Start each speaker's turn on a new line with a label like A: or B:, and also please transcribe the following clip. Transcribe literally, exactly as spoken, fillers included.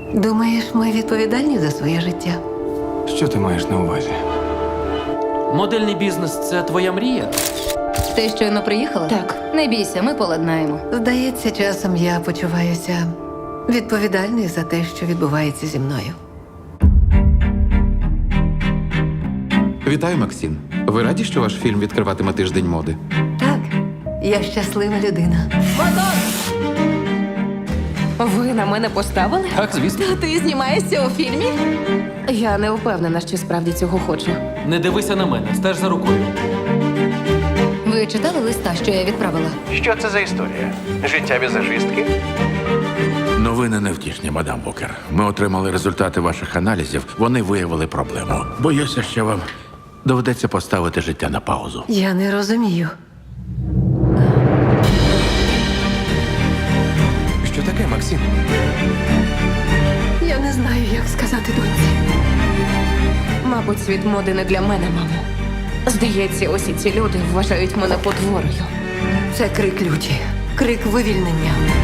A: Думаєш, ми відповідальні за своє життя?
B: Що ти маєш на увазі?
C: Модельний бізнес це твоя мрія?
D: Ти щойно приїхала?
E: Так, не бійся, ми поладнаємо.
A: Здається, часом я почуваюся відповідальною за те, що відбувається зі мною.
F: Вітаю, Максим. Ви раді, що ваш фільм відкриватиме тиждень моди?
A: Так, я щаслива людина.
E: Ви на мене поставили?
C: Так, звісно.
E: Ти знімаєшся у фільмі? Я не впевнена, що справді цього хочу.
C: Не дивися на мене, стеж за рукою.
D: Ви читали листа, що я відправила?
G: Що це за історія? Життя візажистки?
H: Новини невтішні, мадам Букер. Ми отримали результати ваших аналізів. Вони виявили проблему. Боюся, що вам доведеться поставити життя на паузу.
A: Я не розумію.
B: Що таке, Максим?
A: Я не знаю, як сказати доньці.
E: Мабуть, світ моди не для мене, мамо. Здається, усі ці люди вважають мене потворою.
A: Це крик люті, крик вивільнення.